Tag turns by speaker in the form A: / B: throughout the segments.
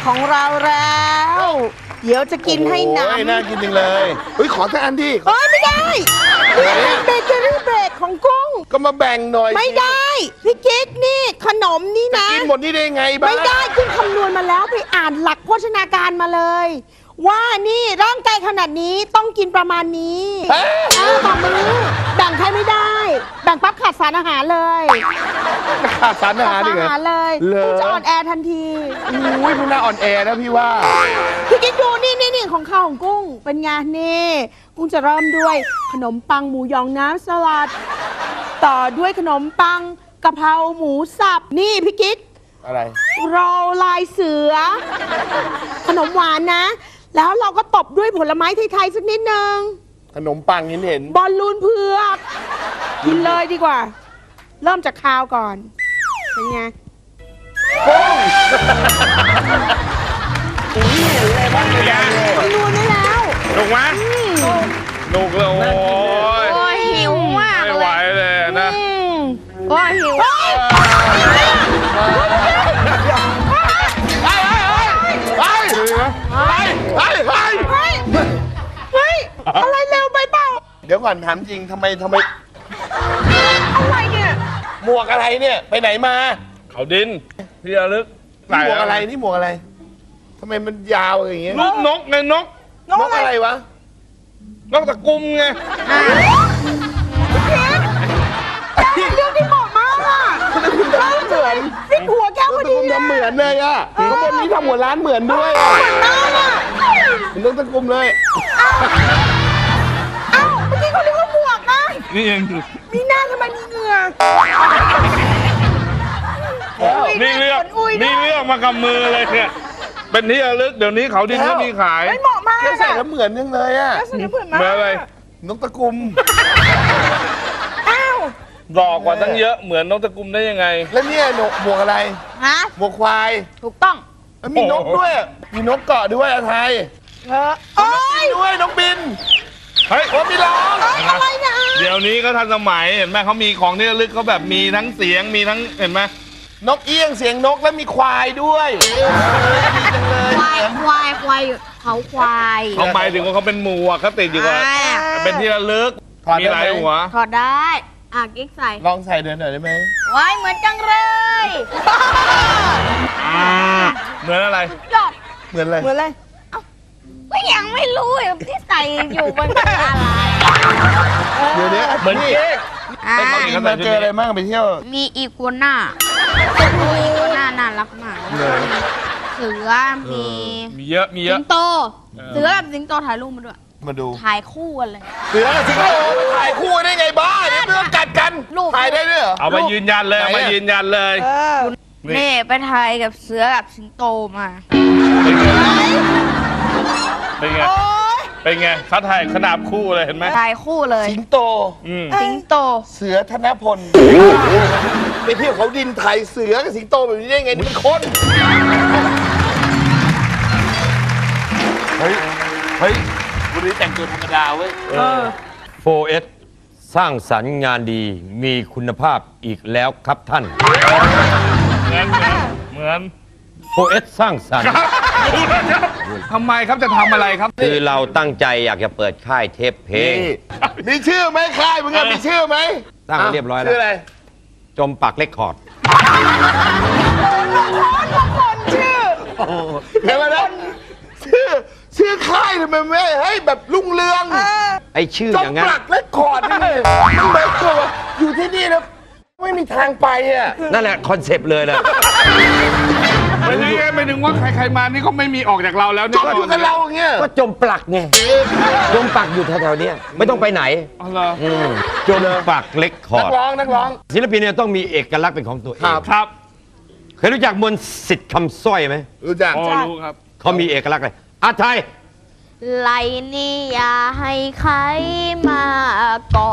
A: ของเราแล้วเดี๋ยวจะกินให้หนำ
B: น่ากินจริงเลยเฮ้ยขอสักอันดิ
A: เอ้ยไม่ได้นี่เบเกอรี่เบรกของกุ้ง
B: ก็มาแบ่งหน่อย
A: ไม่ได้พี่กิ๊กนี่ขนมนี่นะ
B: กินหมดนี่ได้ไงบ้า
A: ไม่ได้กุ้งคำนวณมาแล้วไปอ่านหลักโภชนาการมาเลย ว่านี่ร่างกายขนาดนี้ต้องกินประมาณนี้ต่อมือแบ่งใครไม่ได้แบ่งปั๊บขาดสารอาหารเลย
B: ขาดสารอาหาร
A: ขาด
B: ดิ
A: สารอาหารเลย
B: เหรอ
A: กุ้งจะอ่อนแอทันที
B: อุ้ยมันน่าอ่อนแอนะพี่ว่า
A: พี่กิ๊กดูนี่ของข้าวของกุ้งเป็นไงนี่กุ้งจะเริ่มด้วยขนมปังหมูยองน้ำสลัด ต่อด้วยขนมปังกะเพราหมูสับนี่พี่กิ๊ก
B: อะไร
A: โรลลายเสือ ขนมหวานนะ แล้วเราก็ตบด้วยผลไม้ไทยๆสักนิดนึง
B: ขนมปังเห็น
A: บอลลูนเผือกกินเลยดีกว่า เริ่มจากคาวก่อนเป็นไง
B: กุ้ง
A: คำนวณได้แล้ว
C: หนุกไหมหนุกเลยโอ้ย
D: โอ้ยหิวมาก
C: ไม่
D: เล
C: ไหวย เลยนะ
D: โอ้ยหิว
A: เฮ้ย เฮ้ย อะไรเร็วไปเปล่า
B: เดี๋ยวก่อนถามจริงทำไม
A: อะไรเนี่ย
B: หมวกอะไรเนี่ย ไปไหนมา
C: เขาดินที่ระลึก
B: นี่หมวกอะไรนี่หมวกอะไรทำไมมันยาวอย่างเงี้ย
C: ลูกนกไงนก
B: นกอะไรวะ
C: นกตะกุมไง
A: เรื่องที่เหมาะมากอ่ะ
B: คุณทำเหมือน
A: ฟิกหัวแก้วพอดี
B: คุณ
A: เลย
B: ทำเหมือนเลยอ่ะข้างบนนี้ทำหัวร้านเหมือนด้วย
A: มากอ่ะ
B: เป็นนกตะกุมเลย
A: เอ้าเมื่อกี้เขาเรียกว่าหมวกนะ
C: นี่เอง
A: มีหน้าทำไมมีเหงื่อ
C: นี่เลือกนี่เลือกมากับมือเลยเนี่ยเป็นที่ระลึกเดี๋ยวนี้เขาดินก็มีขาย
A: ไม่เหมาะมาก
B: แค่ใส่แล้วเหมือนยังเลยอ่ะ
A: ใส่แล้วเหมือนมาก
C: เหมือนอะไร
B: นกตะกุม
A: อ้าว
C: หลอกกว่าตั้งเยอะเหมือนนกตะกุมได้ยังไง
B: แล้วเนี่ยหมวกอะไร
D: ฮะ
B: หมวกควาย
D: ถูกต้อง
B: แล้วมีนกด้วย มีนกเกาะด้วยอะไทย
A: โอ๊ย
B: ด้วยนกบิน
C: เฮ้ย
B: โอ้มีร้อง
A: อะไรเนี่ย
C: เดี๋ยวนี้ก็ทันสมัยเห็นไหมเขามีของที่ระลึกเขาแบบมีทั้งเสียงมีทั้งเห็นไหม
B: นกเอี้ยงเสียงนกแล้วมีควายด้วยดีจังเลย
D: ควายเขาควาย
C: เขาหมายถึงว่าเขาเป็นหมวกเขาติดอยู่กับ
D: อ่า
C: เป็นที่ระลึกมีหลายหัว
D: ถอดได้อ่ะกิ๊กใส่
B: ลองใส่เดินหน่อยได้ไหม
D: ไว้เหมือนจังเลย
C: เหมือนอะไร
D: ยอด
B: เหมือนอะไร
A: เหมือนอะไร
D: ก็ยังไม่รู้เลยที่ใส่อยู่มันคืออะไร
B: เดี๋ยวนี้
C: เหมือนเค้ก
D: อ่า
B: ไปเขาอินมาเจออะไรบ้างไปเที่ยว
D: มีอีกัวน่าอีกัวน่าน่ารักมาก
B: เลย
D: เสือมี
C: มีเยอะมีเย
D: สิ
C: อะ
D: งโต เสือกับสิงโตถ่ายรูปมาด้วย
B: มาดู
D: ถ่ายคู่กันเลย
B: เสือกับสิงโตถ่ายคู่ได้ไงบ้าเดี๋ยวไม่ต้องกัดกัน
D: รูป
B: ถ่ายได้ด้วยเหรอ
C: เอามายืนยันเลย
B: ไหนอะ
C: เอามายืนยันเลย นี่
D: นี่ไปถ่ายกับเสือกับสิงโตมา
C: เป็นไงเป็นไงเขาถ่ายขนาบคู่เลยเห็นไหม
D: ถ่ายคู่เลย
B: สิงโต
C: อืม
D: สิงโต
B: เสือธนพลไปเที่ยวเขาดินไทยเสือกับสิงโตแบบนี้ได้ไงนี่มันคน เฮ้ยวันนี้แต่งตัวธรรมดาเว้ย
E: 4S สร้างสรรค์งานดีมีคุณภาพอีกแล้วครับท่าน
C: เหมือน
E: 4S สร้างสรรค์
C: ทำไมครับจะทำอะไรครับ
E: คือเราตั้งใจอยากจะเปิดค่ายเทปเพลง
B: มีชื่อไหมค่ายมึงอะมีชื่อไหม
E: ตั้งไว้เรียบร้อยแล้ว
B: ชื่ออะไร
E: จมปักเรคคอร์ด
B: เดี๋ยวมานะชื่อค่ายทำไมไม่ให้แบบรุ่งเรือง
E: ไอชื่อ
B: จ
E: อย่างนั้น
B: ปลักและคอร์ดนี่มันแบบตัวอยู่ที่นี่แล้วไม่มีทางไปอ่ะ
E: นั่นแหละคอนเซปต์เลยแหละ
C: ไม่ใช่ไงไม่ถึงว่าใครๆมานี่ก็ไม่มีออกจากเราแล้ว
B: จมอยู่กับเราอย่างเงี้ย
E: ก็จมปลักไงจมปักอยู่แถวๆเนี้ยไม่ต้องไปไหน
C: อ๋อเหรอ
E: จมปักเรคคอ
B: นั
E: ร์
B: ก
E: ด
B: ร้อง
E: ศิลปินเนี่ยต้องมีเอกลักษณ์เป็นของตัวเอง
C: ครับ
E: เคยรู้จักมนต์สิทธิ์คำสร้อยไหม
B: รู้จัก
C: อ๋อรู้ครับ
E: เขามีเอกลักษณ์อะไรอาไทย
D: ไหลนี่อย่าให้ใครมาเกาะ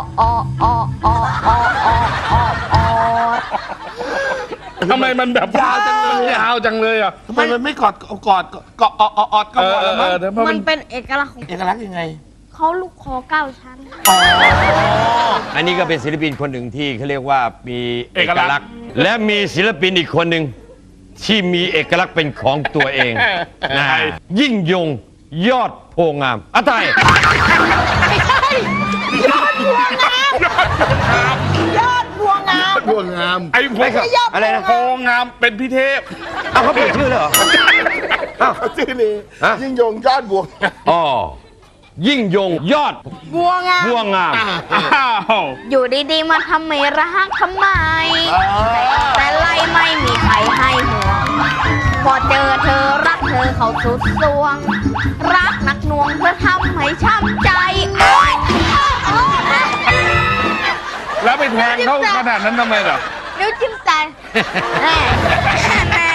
C: ทำไมมันแบบยาวจังเลยยาวจังเลยอ่ะ
B: ทำไมมันไม่กอดก็อดก็พอแล้วมั้ง
C: เดี๋ยวเพราะ
D: มั
C: มัน น
D: เป็นเอกลักษณ์ของ
B: เอกลักษณ์ยังไง
D: เขาลูกคอ9 ชั้น
E: อันนี้ก็เป็นศิลปินคนหนึ่งที่เขาเรียกว่ามีเอกลักษณ์ และมีศิลปินอีกคนหนึ่งที่มีเอกลักษณ์เป็นของตัวเองนะยิ่งยงยอดโพงามอะไร
A: ไม่ใช่ยอดบัวงามยอดบัวงาม
B: ดวงงาม
C: ไอ้โพ
A: ไม่ใช่ยอด
E: อะไรนะ
C: โพงามเป็นพิเทพ
E: เอาเขาเปลี่ยนชื่อเลยเหรออ้าว
B: เขาชื่อนี้
E: ฮะ
B: ยิ่งยงยอดบวง
E: อ๋อยิ่งยงยอด
A: บัวงาม
E: บัวงาม
C: อ้าว
D: อยู่ดีๆมาทำไม่รักทำไม แต่ไล่ไม่มีใครให้ห่วง พอเจอเธอรักเธอเขาสุดสวง รักหนักหน่วงเธอทำให้ช้ำใจโอ๊ย
C: แล้วไปแทงเขาขนาดนั้นทำไมล่ะ
D: นิ้วจิ้มใจแหม่แหม่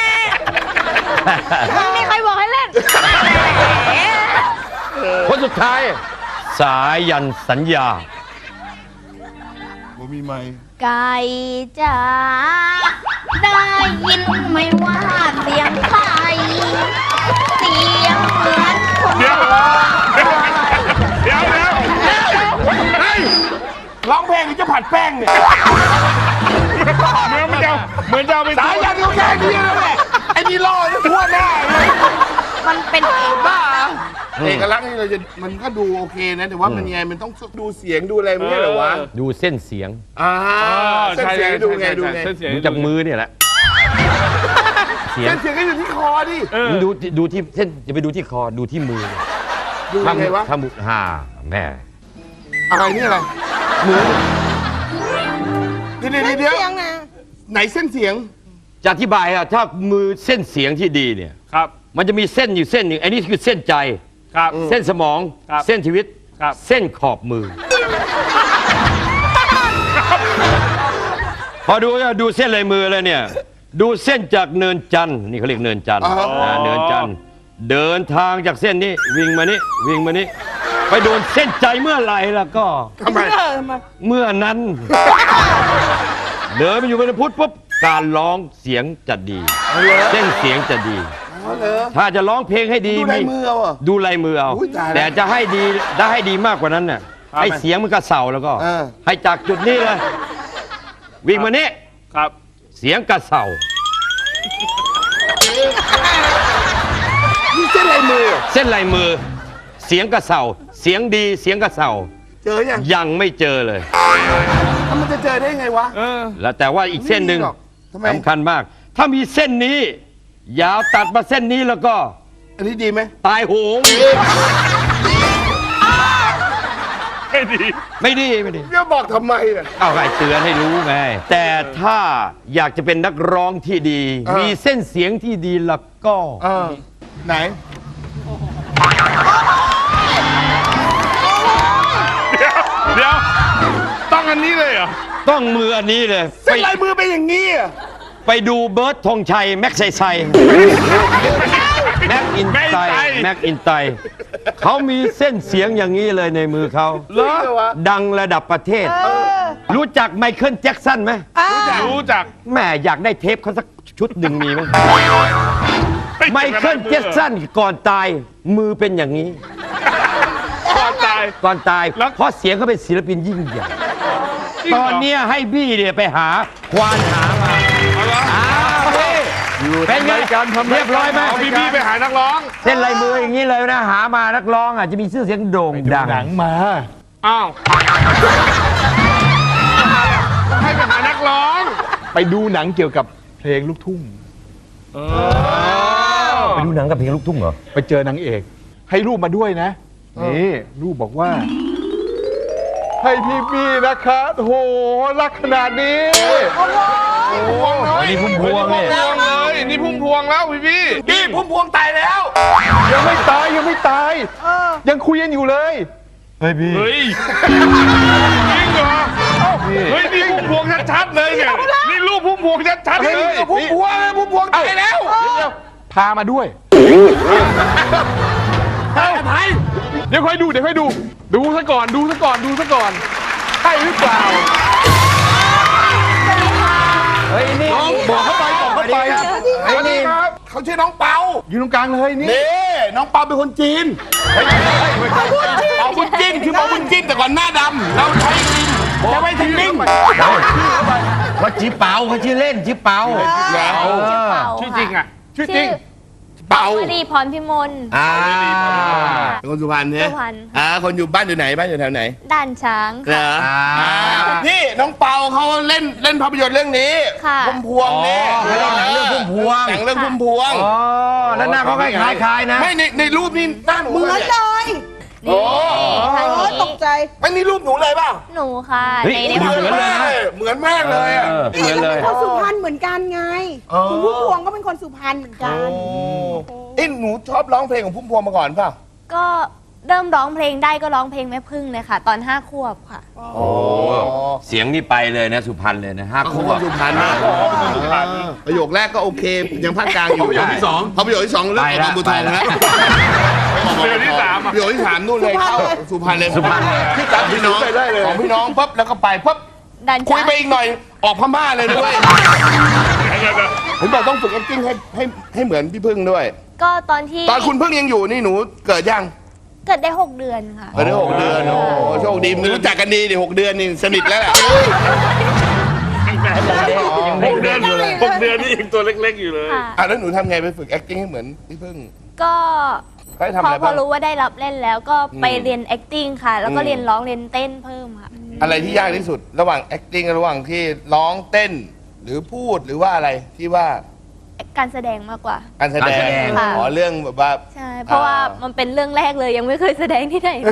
D: มึงมีใครบอกให้เล่นแหม
E: คนสุดท้าย สายันสัญญา
B: ผมมีไหม
D: ไก่จ๋าได้ยินไหมว่าเสียงใครเสียงเหมือนคน
C: เดี๋ยว
D: ร้อง
C: เดี๋ยวเฮ้ย
B: ร้องเพลงหรือจะผัดแป้งเนี่ย
C: เหมือนจะเอาไป
B: สายันเขาแค่นี้แล้วแหละไอ้นี่ล่อจะทั่วหน้าเลย
D: มันเป็นเอง
B: บ้าเอกลักษณ์นี่เราจะมันก็ดูโอเคนะแต่ว่ามันยังไงมันต้องดูเสียงดูอะไรไม่ใช่เหรอวะ
E: ดูเส้นเสียง
B: เส้น
C: ใช่
B: เสียงดูไงดูไง
C: เส้นเสียง
E: ดูจากมือเนี่ยแหละ เสียง
B: เส้นเสียงก็อยู่ที่คอดิ
E: ดูที่เส้นอย่าไปดูที่คอดูที่มือ
B: ดูยังไงวะ
E: ถ้ามือแม่
B: อะไรนี่อะไรมือเดี๋ยว
A: เสียงนะ
B: ไหนเส้นเสียง
E: จะอธิบายอะถ้ามือเส้นเสียงที่ดีเนี่ย
C: ครับ
E: มันจะมีเส้นอยู่เส้นหนึ่งไอ้นี่คือเส้นใจ
C: ครับ
E: เส้นสมอง
C: ครับ
E: เส้นชีวิต
C: ครับ
E: เส้นขอบมือ พอดูเส้นลายมือแล้วเนี่ย ดูเส้นจากเนินจันทร์นี่เขาเรียกเนินจันทร์
B: อ๋อ
E: เนินจันทร์เดินทางจากเส้นนี้วิ่งมานี่วิ่งมานี่ไปโดนเส้นใจเมื่อไหร่แล้วก็
B: ทำไม
E: เมื่อนั้น เดินไปอยู่บนพุทธปุ๊บการร้องเสียงจะดี เส้นเสียงจะดี
B: อ๋อเหรอ
E: ถ้าจะร้องเพลงให้ดี
B: ดูลายมือเอาเหรอ
E: ดูลายมือเอา
B: อุ๊ยตายแล้ว
E: แต่จะให้ดีได้ให้ดีมากกว่านั้นน่ะให้เสียงมันกระเสาแล้วก็
B: เออ
E: ให้จากจุดนี้เลยวิ่งมานี่
C: ครับ
E: เสียงกระเสา
B: นี่เส้นลายมือเหรอ
E: เส้นลายมือ เสียงกระเสาเสียงดีเสียงกระเสา
B: เจอยัง
E: ยังไม่เจอเลย
B: แล้วมันจะเจอได้ไงวะ
E: แล้วแต่ว่าอีกเส้นหนึ่ง
B: ไม่มีหรอกทำไม
E: สำคัญมาก ถ้ามีเส้นนี้ ยาวตัดมาเส้นนี้แล้วก็
B: อันนี้ดีไหม
E: ตายโหง
C: ไม่ดี
E: ไม่ดี
B: จะบอกทำไมอ่ะ
E: เอาใครเตือนให้รู้ไง แต่ถ้าอยากจะเป็นนักร้องที่ดี มีเส้นเสียงที่ดีแล้วก็
B: ไหน
C: เดี๋ยว ต้องอันนี้เลยเหรอ
E: ต้องมืออันนี้เลย
B: เส้นลายมือเป็นอย่างนี้อ่ะ
E: ไปดูเบิร์ดธงชัยแม็กไซไซแม็กอินไตแม็กอินไตเขามีเส้นเสียงอย่างนี้เลยในมือเขา
B: เหรอวะ
E: ดังระดับประเทศ รู้จักไมเคิลแจ็คสันไหม
C: รู้จัก
E: แม่อยากได้เทปเขาสักชุดหนึ่งมีไหมไมเคิลแจ็คสันก่อนตายมือเป็นอย่างนี้
C: ก่อนตาย
E: ก่อนตาย
C: แล้ว
E: เพราะเสียงเขาเป็นศิลปินยิ่งใหญ่
C: จริงเหร
E: ตอนเนี้ยให้บี้เนี่ยไปหาควานหามา
C: เอาเหรอ
E: เป็นไงเรียบร้อยไหม
C: เอาพี่ไปหานักร้อง
E: เส้นลายมืออย่างนี้เลยนะหามานักร้องอ่ะจะมีชื่อเสียงโด่งดัง
F: หนังมา
C: อ้าวให้ไปหานักร้อง
F: ไปดูหนังเกี่ยวกับเพลงลูกทุ่ง
E: ไปดูหนังกับเพลงลูกทุ่งเหรอ
F: ไปเจอนางเอก ให้รูปมาด้วยนะ นี่รูปบอกว่า ให้พี่นะคะโอ้โหรักขนาดนี้
E: อันนี้พุ่มพวงเนี่ย
C: พุ่มพวงเลยนี่พุ่มพวงแล้วพี่
B: นี่พุ่มพวงตายแล้ว
F: ยังไม่ตายยังไม่ตาย ยังคุยกันอยู่เลย
E: เฮ้ยพี่
C: เฮ้ยจริงเหรอเฮ้ยนี่พุ่มพวงชัดๆเลยเนี่ยนี่รูปพุ่มพวงชัดๆเลย
B: พุ่มพวงเลยพุ่มพวงตายแล้ว
F: พามาด้วย
B: ไทย
F: เดี๋ยวค่อยดูดูซะก่อนใช่หรือเปล่า
E: เฮ้ยนี่
F: บอกเข้าไป
B: สวัสดีครับเขาชื่อน้องเปา
F: อยู่ตรงกลางเลยนี่
B: นี่น้องเปาเป็นคนจีนเปาบุญจิ้นคือเปาบุญจิ้นแต่ก่อนหน้าดำเราใช้ลิงจะไม่ถึงลิง
E: เขาชื่อเปาเขาชื่อเล่นชื่อเปา
C: ชื่อจริงอ่ะ
F: ชื่อจริง
B: เป่า
D: วดีพรพิมล
B: เป็นคนสุพรรณเนี่ย
D: สุพรรณ
B: คนอยู่บ้านอยู่ไหนบ้านอยู่แถวไหน
D: ด่านช้าง
B: เหรอนี่น้องเปาเขาเล่นภาพยนตร์เรื่องนี้
D: ค่ะ
B: พุ่มพวงเนี่ย
E: เขาเล่นหนังเรื่องพุ่มพวง
B: หนังเรื่องพุ่มพวง
E: อ๋อแล้วหน้าเขาคล้ายๆนะ
B: ไม่ในรูปนี่หน้าหนู
A: เหมือน
B: เลย
A: เลย
B: โอ้
D: ท่าน
A: โอ้ยต
D: นี้
A: กใจ
B: ไม่นี่รูปหนูเลยเปล่า
D: หนูค่ะ
E: เฮ้ย
D: ใน
B: เห
D: ภาพ
B: มือน
D: ยนตร์
B: มากเลยเหมือนมากเลยอะ
E: เหมือนเลย
A: คนสุพรรณเหมือนกันไง
B: อ๋อ
A: คุณพุ่มพวงก็เป็นคนสุพรรณเหมือนกัน
B: หนูชอบร้องเพลงของพุ่มพวงมาก่อนเปล่า
D: ก็เริ่มร้องเพลงได้ก็ร้องเพลงแม่พึ่งเลยค่ะ ตอน5 ขวบค่ะ
B: โอ้
E: เสียงนี่ไปเลยนะสุพรรณเลยนะ5
B: เขา
E: คู่
B: คนสุพรรณนะประโยคแรกก็โอเค ยังภาคกลางอยู่
E: ประโยคที่สอง
B: พอประโยคที่สองเรื่องของบางบัวทองแล้ว
C: ประโยคที่สามอะ
B: ประโยคที่สามนู่นเลยเข้าสุพรรณเลย
E: สุพรรณ
B: ที่จับพี่น้องของพี่น้องปุ๊บแล้วก็ไปปุ๊บ
D: ด่าน
B: คุย
D: ช้าง
B: ไปอีกหน่อยออกพม่าเลยด้วยผมบอกต้องฝึก acting ให้เหมือนพี่พึ่งด้วย
D: ก็ตอนที่
B: ตอนคุณพึ่งยังอยู่นี่หนูเกิดยัง
D: เกิดได้ 6 เดือนค่ะ
B: เกิดได้6 เดือนโอ้โชคดีรู้จักกันดีดิ6 เดือนนี่สนิทแล้วแหละ
C: 6 เดือน6 เดือนนี่ยังตัวเล็กๆอยู่เลย
D: ค่ะ
B: แล้วหนูทำไงไปฝึก acting ให้เหมือนพี่พึ่ง
D: ก็
B: ได้ทำ
D: พ
B: อะไร
D: อ
B: บ้าง
D: รู้ว่าได้รับเล่นแล้วก็ไปเรียน acting ค่ะ แล้วก็เรียนร้องเรียนเต้นเพิ่มค่ะ
B: อะไรที่ยากที่สุดระหว่าง acting กับระหว่างที่ร้องเต้น หรือพูดหรือว่าอะไรที่ว่า
D: การแสดงมากกว่า
B: การแสด
E: การแส
B: ง
E: ดง
D: ค่ะ
B: อ๋อเรื่องแบบว่า
D: ใช่ เพราะว่ามันเป็นเรื่องแรกเลยยังไม่เคยแสดงที่ไหนเลย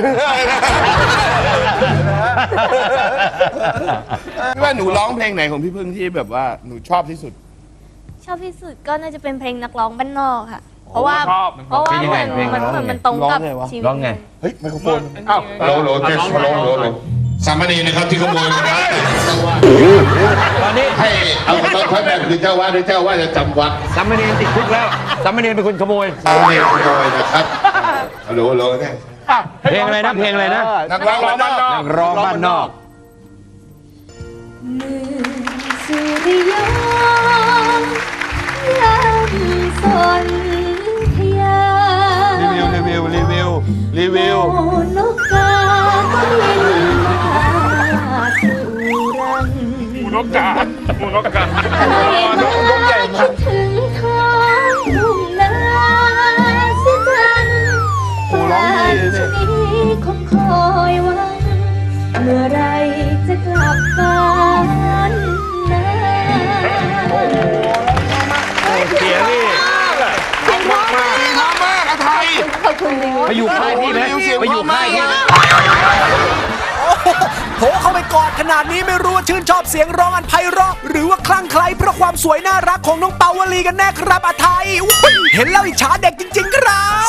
B: พี่ว่าหนูร้องเพลงไหนของพี่พึ่งที่แบบว่าหนูชอบที่สุด
D: ชอบที่สุดก็น่าจะเป็นเพลงนักร้องบ้านนอกค่ะ เพราะว่า
C: ชอบ
D: เพราะว่า
E: เป็นยังไงเพลง
D: มัน
E: ร้องไง
D: มันตรงกับ
B: ร้องไงวะ
D: ชีวิต
E: ร้องไง
B: เฮ้ยไมโครโฟน
F: อ้าว
B: โหลเทสโหลสามเณรนะครับที่ขโมยมาได้
E: ตอนนี้
B: ให้เอาค่อยแบบคือเจ้าวาดหรือเจ้าวาดจะจำวัด
E: สามเณรติดคุกแล้วสามเณรเป็นคนขโมย
B: สามเณรขโมยนะครับโหลเนี่ย
E: เพลงอะไรนะเพลงอะไรนะ
B: นักร้องบ้านนอก
E: นักร้องบ้านนอก
D: มือสุริยนต์ยามสนธยา
B: รีวิว
D: นกกาก็บินมาสู่รัง
C: หมูนกกาหมูนกกา
B: นกใหญ่มาก
D: คิดถึงท้องทุ่งนาเสียจังป่านชะนีคงคอยหวังเมื่อไรจะกลับบ้านนา
E: เสียงนี่
B: เพราะมากอาไทย
E: ไปอยู่ค่ายพี่ไหมไปอยู่ค่ายพี่ไหม
G: โผล่เข้าไปกอดขนาดนี้ไม่รู้ว่าชื่นชอบเสียงร้องอันไพเราะหรือว่าคลั่งไคล้เพราะความสวยน่ารักของน้องเปาวลีกันแน่ครับอาไทยอุ๊ยเห็นแล้วอิจฉาเด็กจริงๆครับ